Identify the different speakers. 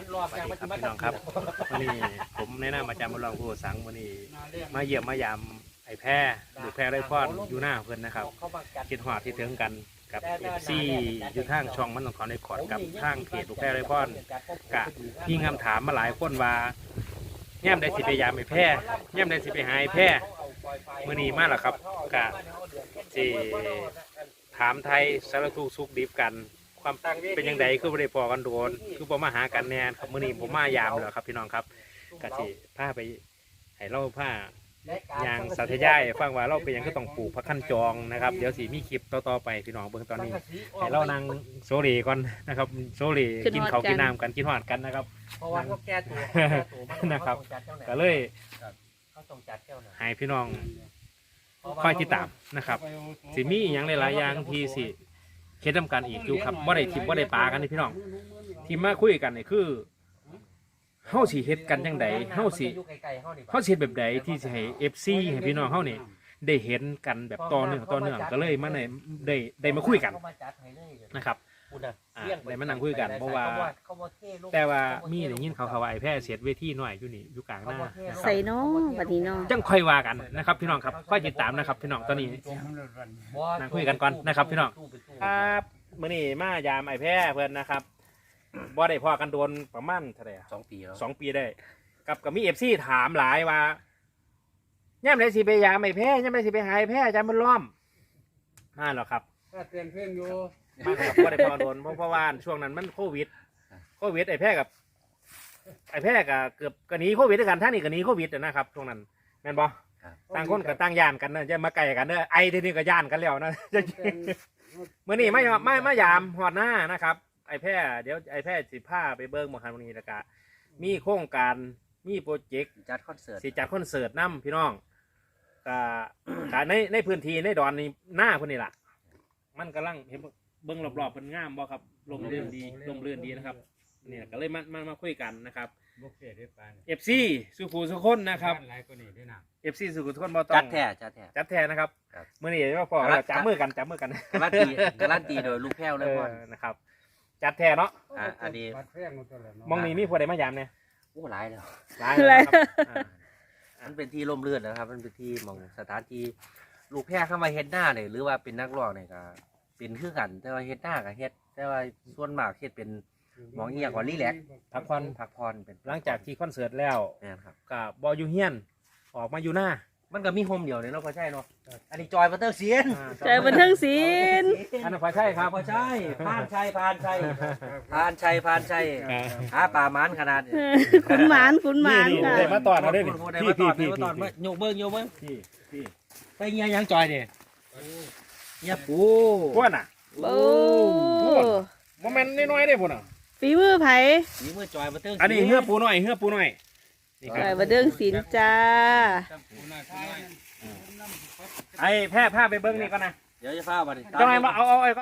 Speaker 1: สวัสดีครับพี่น้องครับวันนี้ผมแนะนำอาจารย์บุญรองผู้สังวันนี้มาเยี่ยมมายามไอ้แพร่หรือแพร่ไรพอนอยู่หน้าเพื่อนนะครับคิดหอดที่ถึงกันกับเอฟซีอยู่ทางช่องมันของเขาในขอดกับทางเพจลูกแพร่ไรพอนกะมีคำถามมาหลายคนว่าแย้มได้สิไปยามไอ้แพร่แย้มได้สิไปหาไอ้แพร่มื่อนี้มาแล้วครับกะสิถามไทยสารทุกสุกดิบกันความเป็นยังไงคือบ่ได้พอกันโดนคือบ่มาหากันแน่ครับมื้อนี้ผมมายามแล้วครับพี่น้องครับก็สิพาไปให้เราพายางสาธยายฟังว่าเราเป็นยังก็ต้องปลูกผักขั้นจองนะครับเดี๋ยวสิมีคลิปต่อไปพี่น้องเบิ่งตอนนี้ให้เรานั่งโซเลก่อนนะครับโซเลกินข้าวกินน้ำกันกินหอดกันนะครับ
Speaker 2: เพราะว่าพวกแก้ตัว
Speaker 1: นะครับก็เลยให้พี่น้องคอยติดตามนะครับสิมีอย่างหลายๆอย่างที่สิเคสทำการอีกอยู่ครับว่าได้ทิมว่าได้ปลากันนี่พี่น้องที่มาคุยกันนี่คือเฮาสิเฮ็ดกันจังไดเฮาสิเฮ็ดแบบใดที่สิให้ FC ให้พี่น้องเฮานี่ได้เห็นกันแบบต่อเนื่องก็เลยมาได้มาคุยกันนะครับได้มานั่งคุยกันเพราะว่าแต่ว่ามีได้ยินเขาว่าไอ้แพร่เสียดเวทีหน่อยอยู่นี่อยู่กลางหน้า
Speaker 3: ใส่น้องบัดนี้น้อง
Speaker 1: จังค่อยว่ากันนะครับพี่น้องครับค่อยติดตามนะครับพี่น้องตอนนี้นั่งคุยกันก่อนนะครับพี่น้องครับมื้อนี้มายามไอ้แพร่เพิ่นนะครับบ่ได้พอกันโดนประมาณเท่าไหร่
Speaker 2: 2 ปีแล้ว
Speaker 1: 2 ปีได้กับมี FC ถามหลายว่าย่ำได้สิไปยามไอ้แพร่ย่ำได้สิไปหาไอ้แพร่อาจารย์บุญล้อมมาหรอครับ
Speaker 4: เตรียมเพลงอยู่
Speaker 1: มาครับบ่ได้พอโดนเพราะว่าช่วงนั้นมันโควิดไอ้แพร่กับเกือบกหนีโควิดด้วยกันท่านนี่กหนีโควิดนะครับช่วงนั้นแม่นบ่ต่างคนกับต่างย่านกันนะจะมาไกลกันเด้อไอ้ทีนี้ก็ย่านกันแล้วนะมื้อนี้ไม่ยามหอดหน้านะครับไอ้แพร่เดี๋ยวไอ้แพร่สิพาไปเบิ่งบ่คันวันนี้แล้วก็มีโครงการมีโปรเจกต์
Speaker 2: จัดคอนเสิร์ต
Speaker 1: นำพี่น้องก็ในพื้นที่ในดอนนี่หน้าพุ่นนี่ล่ะมันกำลังเห็นเบิ่งรอบๆเพิ่นงามบ่ครับลมเรื่อนดีนะครับเนี่ยก็เลยมาคุยกันนะครับ FC สุขุสุคนนะครับ FC สุขุสุคนบ่ต้อง
Speaker 2: จัดแท้
Speaker 1: นะครับมื้อนี้ว่าพอจับมือกัน
Speaker 2: การันตีโดยลูกแพ้วเลยพ่อ
Speaker 1: นะครับจัดแท้เนาะ
Speaker 2: อันนี้
Speaker 1: มองนี้มีผู้ใดมายามเนี่ย
Speaker 2: โอ้หลายแล้วมันเป็นที่ร่มรื่นนะครับมันเป็นที่มองสถานที่ลูกแพ้เข้ามาเฮ็ดหน้าเนี่ยหรือว่าเป็นนักร้องเนี่ยก็เป็นคือกันแต่ว่าเฮ็ดหน้ากับเฮ็ดแต่ว่าส่วนมากเฮ็ดเป็นมองเอียกว่ารีแลกซ์พักผ่อนเป็น
Speaker 1: หลังจากที่คอนเสิร์ตแล้ว
Speaker 2: ครับ
Speaker 1: กับบอยู่เฮียนออกมาอยู่หน้า
Speaker 2: มันก็มีโฮมเดียวเนี่ยเนาะพอใช่เนาะอันนี้จอยบันเทิงศิลป์
Speaker 3: บันเทิงศิลป์
Speaker 1: อันนั้นพอใช่ครับ
Speaker 2: พอใช่พานชัยหาป่ามันขนาดนี้
Speaker 3: ขุนหมาน
Speaker 1: ค่ะได้มาตอนเขาได้
Speaker 2: พี่โยกเบิ้งพี่ไปเงี้ยยังจอยเนี่ยเงี้ยปู
Speaker 1: พวกน่ะ
Speaker 3: โอ้
Speaker 1: โมเมนต์น้อยๆได้พวกน่ะ
Speaker 3: ฝีมือไผ
Speaker 2: ฝีมือจอยบันเทิง
Speaker 1: อันนี้เหือปูหน่อย
Speaker 3: จอยบันเทิงศิลป์จ้า
Speaker 1: ไอ้แพร่ผ้าไปเบิ้งนี่ก่อนนะ
Speaker 2: เดี๋ยวจะฟ้าบัดนี้
Speaker 1: จังไงมาเอา